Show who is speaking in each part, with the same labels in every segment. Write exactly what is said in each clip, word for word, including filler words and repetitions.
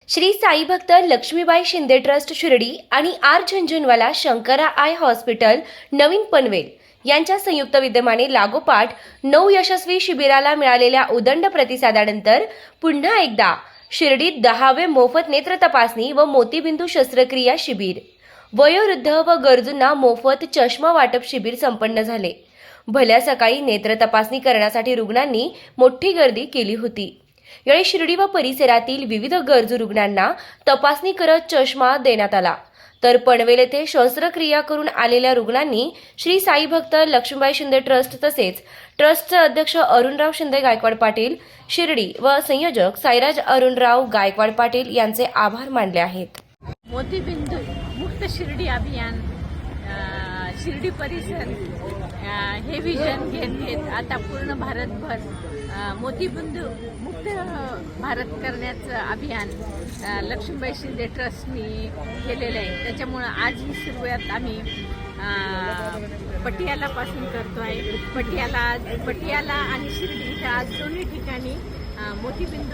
Speaker 1: श्री साई भक्त लक्ष्मीबाई शिंदे ट्रस्ट शिर्डी आणि R Jhunjhunwala Shankara eye hospital नवीन पनवेल यांच्या संयुक्त विद्यमाने लागोपाठ नऊ यशस्वी शिबिराला मिळालेल्या उदंड प्रतिसादानंतर पुन्हा एकदा शिर्डीत दहावे मोफत नेत्र तपासणी व मोतीबिंदू शस्त्रक्रिया शिबिर, वयोवृद्ध व गरजूंना मोफत चष्मा वाटप शिबिर संपन्न झाले. भल्या सकाळी नेत्र तपासणी करण्यासाठी रुग्णांनी मोठी गर्दी केली होती. यावेळी शिर्डी व परिसरातील विविध गरजू रुग्णांना तपासणी करत चष्मा देण्यात आला. तर पनवेल येथे शस्त्रक्रिया करून आलेल्या रुग्णांनी श्री साई भक्त लक्ष्मीबाई शिंदे ट्रस्ट तसेच ट्रस्टचे अध्यक्ष अरुणराव शिंदे गायकवाड पाटील शिर्डी व संयोजक साईराज अरुणराव गायकवाड पाटील यांचे आभार मानले आहेत.
Speaker 2: मोतीबिंदू मुक्त शिर्डी अभियान अ, शिर्डी परिसर अ, हे विजन घेत घेत आता पूर्ण भारतभर अ, मोतीबिंदू मुक्त भारत करण्याचं अभियान अ, लक्ष्मीबाई शिंदे ट्रस्टनी केलेलं आहे. त्याच्यामुळं आज ही सुरुवात आम्ही अ, पटियालापासून करतो आहे. पटियाला पटियाला आणि शिर्डी इथं आज दोन्ही ठिकाणी मोतीबिंदू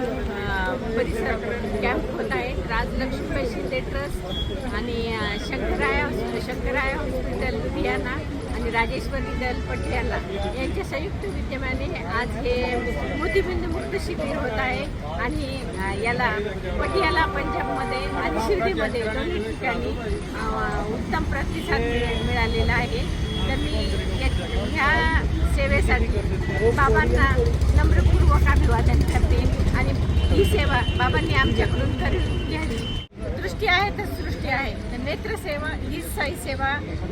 Speaker 2: परिसर कॅम्प होत आहे. आज लक्ष्मीबाई शिंदे ट्रस्ट आणि शंकराय शंकराय हॉस्पिटल लुधियाना आणि राजेश्वरी दल पटियाला यांच्या संयुक्त विद्यमाने आज हे मोतीबिंदू मुक्त शिबिर होत आहे. आणि याला पटियाला पंजाबमध्ये आणि शिर्डीमध्ये दोन्ही ठिकाणी उत्तम प्रतिसाद मिळालेला आहे. तर मी ह्या सेवेसाठी बाबांना नम्रपूर्वक अभिवादन करते आणि ही सेवा बाबांनी आमच्याकडून करून घ्यावी. दृष्टी आहे तर सृष्टी आहे, तर नेत्रसेवा ही साई सेवा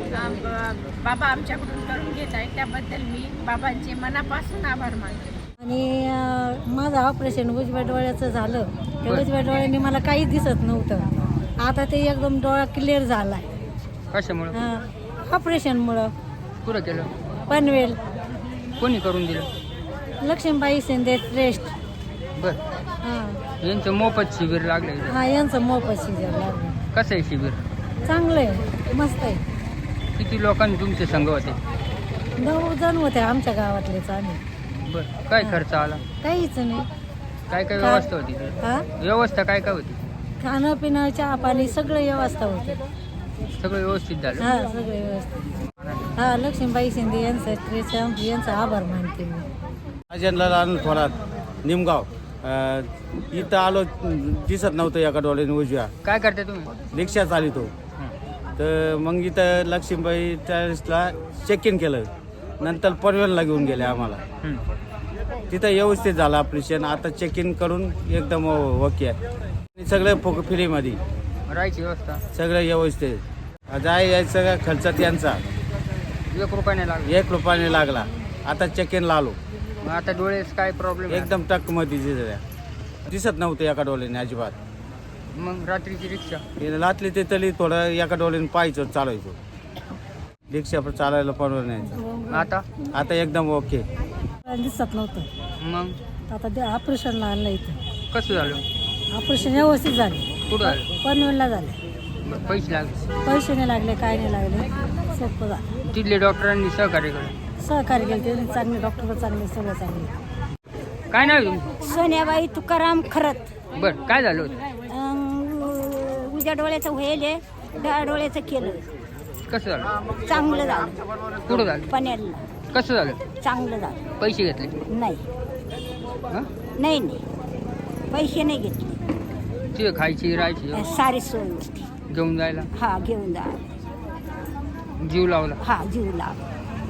Speaker 2: बाबा आमच्याकडून करून घेत आहे. त्याबद्दल मी बाबांचे मनापासून आभार मानते.
Speaker 3: आणि माझं ऑपरेशन उजव्या डोळ्याचं झालं. त्या उजव्या डोळ्याने मला काहीच दिसत नव्हतं. आता ते एकदम डोळा क्लिअर झाला आहे.
Speaker 4: कशामुळे?
Speaker 3: ऑपरेशनमुळं.
Speaker 4: पुरं केलं?
Speaker 3: पनवेल.
Speaker 4: कोणी करून दिलं?
Speaker 3: लक्ष्मीबाई शिंदे ट्रस्ट.
Speaker 4: बर.
Speaker 3: हां
Speaker 4: यांचं मोफत शिबिर लागलं.
Speaker 3: हां यांचं मोफत शिबिर लागलं.
Speaker 4: कसं आहे शिबिर?
Speaker 3: चांगलं आहे, मस्त आहे.
Speaker 4: किती लोकांनी तुमचे संघ होते?
Speaker 3: नऊ जण होते आमच्या गावातलेच आम्ही.
Speaker 4: बर. काय खर्च आला?
Speaker 3: काहीच नाही.
Speaker 4: काय काय व्यवस्था होती?
Speaker 3: हां
Speaker 4: व्यवस्था काय काय होती?
Speaker 3: खाणं पिणं चहा पाणी सगळं व्यवस्था होते.
Speaker 4: सगळं व्यवस्थित झालं?
Speaker 3: हां सगळं व्यवस्थित. हां लक्ष्मीबाई शिंदे यांचं ट्रस्ट यांचा आभार मानते मी.
Speaker 5: अजनलाल आनंद थोरात, निमगाव. इथं आलो, दिसत नव्हतं एका डोळ्याने उजव्या.
Speaker 4: काय करता तुम्ही?
Speaker 5: रिक्षा चालितो. तर मग इथं लक्ष्मीबाई ट्रस्टला चेक इन केलं. नंतर पनवेलला घेऊन गेले आम्हाला. तिथं व्यवस्थित झालं ऑपरेशन. आता चेक इन करून एकदम ओके आहे. सगळं फो फ्रीमध्ये
Speaker 4: राहायची व्यवस्था
Speaker 5: सगळं व्यवस्थित. जाय यायचं सगळा खर्च त्यांचा
Speaker 4: एक रुपयाने लागला.
Speaker 5: एक रुपयाने लागला. आता चेक इनला आलो.
Speaker 4: मग आता डोळ्याच काय प्रॉब्लेम?
Speaker 5: एकदम टकमध्ये दिसत नव्हतं एका डोळ्याने अजिबात.
Speaker 4: मग रात्रीची रिक्षा
Speaker 5: लातली ते तरी थोडं एका डोळ्याने पाहायचो, चालायचो. रिक्षा पण चालायला परवडायचं.
Speaker 4: आता
Speaker 5: आता एकदम ओके.
Speaker 3: दिसत नव्हतं.
Speaker 4: मग
Speaker 3: आता ते ऑपरेशनला आणलं इथं.
Speaker 4: कसं झालं?
Speaker 3: ऑपरेशन व्यवस्थित झाले.
Speaker 4: कुठं झालं?
Speaker 3: पनवेलला झाले.
Speaker 4: बरं. पैसे लागले?
Speaker 3: पैसे नाही लागले, काय नाही लागले, सोपं झालं.
Speaker 4: तिथले डॉक्टरांनी सहकार्य केलं?
Speaker 3: सहकार्य केलं त्यांनी. चांगले डॉक्टर चांगले, सगळं चांगले.
Speaker 4: काय नाव आहे तुमचं?
Speaker 6: सोन्याबाई तुकाराम खरत.
Speaker 4: बरं. काय झालं होतं?
Speaker 6: अं, उजव्या डोळ्याचं व्हायले, डाव्या डोळ्याचं केलं.
Speaker 4: कसं झालं?
Speaker 6: चांगलं झालं.
Speaker 4: कुठं झालं?
Speaker 6: पनवेलला
Speaker 4: कसं झालं?
Speaker 6: चांगलं झालं.
Speaker 4: पैसे घेतले?
Speaker 6: नाही
Speaker 4: हां?
Speaker 6: नाही नाही पैसे नाही घेतले.
Speaker 4: तिथे खायची राहायची
Speaker 6: सारी सोय होती.
Speaker 4: घेऊन जायला?
Speaker 6: हा घेऊन जा.
Speaker 4: जीव लावला?
Speaker 6: हा जीव लाव.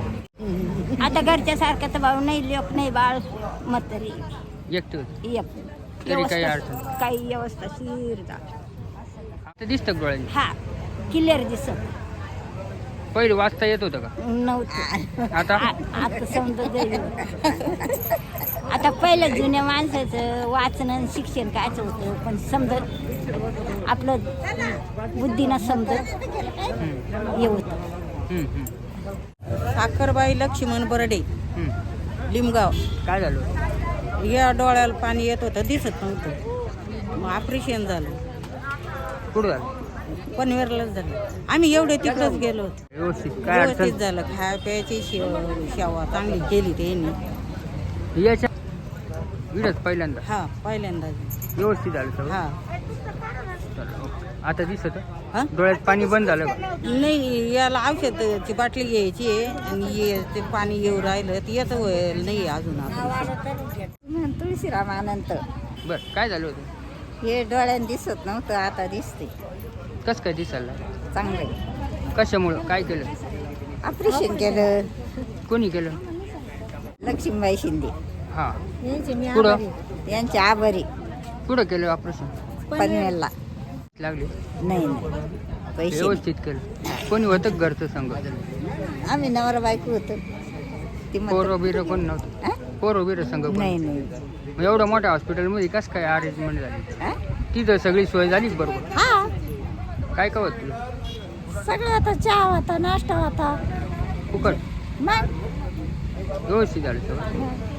Speaker 6: आता घरच्या सारखं तर भाऊ नाही, लोक नाही, बाळ म्हातारी
Speaker 4: एकटे होते?
Speaker 6: एक
Speaker 4: तरी काही
Speaker 6: व्यवस्था-
Speaker 4: अडचण?
Speaker 6: काही व्यवस्था शिर झाली.
Speaker 4: आता दिसतं का डोळ्याने?
Speaker 6: हा क्लिअर दिसत
Speaker 4: पहिले वाचता येत होतं का?
Speaker 6: नव्हतं.
Speaker 4: आता?
Speaker 6: आ- आता समजा जाईल. आता पहिलं जुन्या माणसाचं वाचन आणि शिक्षण कायच होतं, पण समजत आपलं बुद्धीनं समजत हे होतं.
Speaker 4: हम्म, हम्म,
Speaker 7: साखरबाई लक्ष्मण बर्डे,
Speaker 4: हम्म.
Speaker 7: लिमगाव.
Speaker 4: काय झालं होतं?
Speaker 7: या डोळ्याला पाणी येत होतं, दिसत नव्हतं. मग ऑपरेशन झालं.
Speaker 4: कुठं झालं?
Speaker 7: पनवेललाच झालं. आम्ही एवढे तिकडंच गेलो होतो.
Speaker 4: व्यवस्थित काय
Speaker 7: व्यवस्थित
Speaker 4: अडचण?
Speaker 7: झालं. खाया प्यायची शेव शेवा चांगली केली त्यांनी.
Speaker 4: याच्या इडच पहिल्यांदा
Speaker 7: हा पहिल्यांदा
Speaker 4: व्यवस्थित झालं सगळं
Speaker 7: हा
Speaker 4: चला, ओके. आता दिसत
Speaker 7: हा?
Speaker 4: डोळ्यात पाणी बंद झालं का?
Speaker 7: नाही याला औषधाची बाटली घ्यायची आहे आणि ये ते पाणी येऊ राहिलं ते येतं होईल नाही अजून आता
Speaker 6: तुळशीराम अनंत
Speaker 4: बरं काय झालं होतं?
Speaker 6: हे डोळ्यानं दिसत नव्हतं आता दिसते
Speaker 4: कसं काय दिसायला?
Speaker 6: चांगलं
Speaker 4: कशामुळं काय केलं?
Speaker 6: ऑपरेशन केलं
Speaker 4: कोणी केलं?
Speaker 6: लक्ष्मीबाई शिंदे
Speaker 4: हां
Speaker 3: यांचे मी
Speaker 4: पुढं?
Speaker 3: आभारी आहे.
Speaker 6: यांचे आभारी
Speaker 4: कुठं केलं ऑपरेशन?
Speaker 6: पनवेलला
Speaker 4: लागले
Speaker 6: नाही नाही पैसे
Speaker 4: व्यवस्थित केलं. कोणी होतं का घरचं संग?
Speaker 6: आम्ही नवरा बायको होतो ती म्हणते,
Speaker 4: पोरं बिरं कोण नव्हतं?
Speaker 6: हा?
Speaker 4: पोरं बिरं संग कोण?
Speaker 6: नाही नाही
Speaker 4: मग एवढ्या मोठ्या हॉस्पिटलमध्ये कसं काय अरेंजमेंट झाली?
Speaker 6: हा?
Speaker 4: तिथं सगळी सोय झालीच बरोबर?
Speaker 6: हा
Speaker 4: काय काय होत तुला?
Speaker 3: सगळं आता चहा होता नाश्ता होता
Speaker 4: फुकट
Speaker 3: मग
Speaker 4: व्यवस्थित झालं सगळं?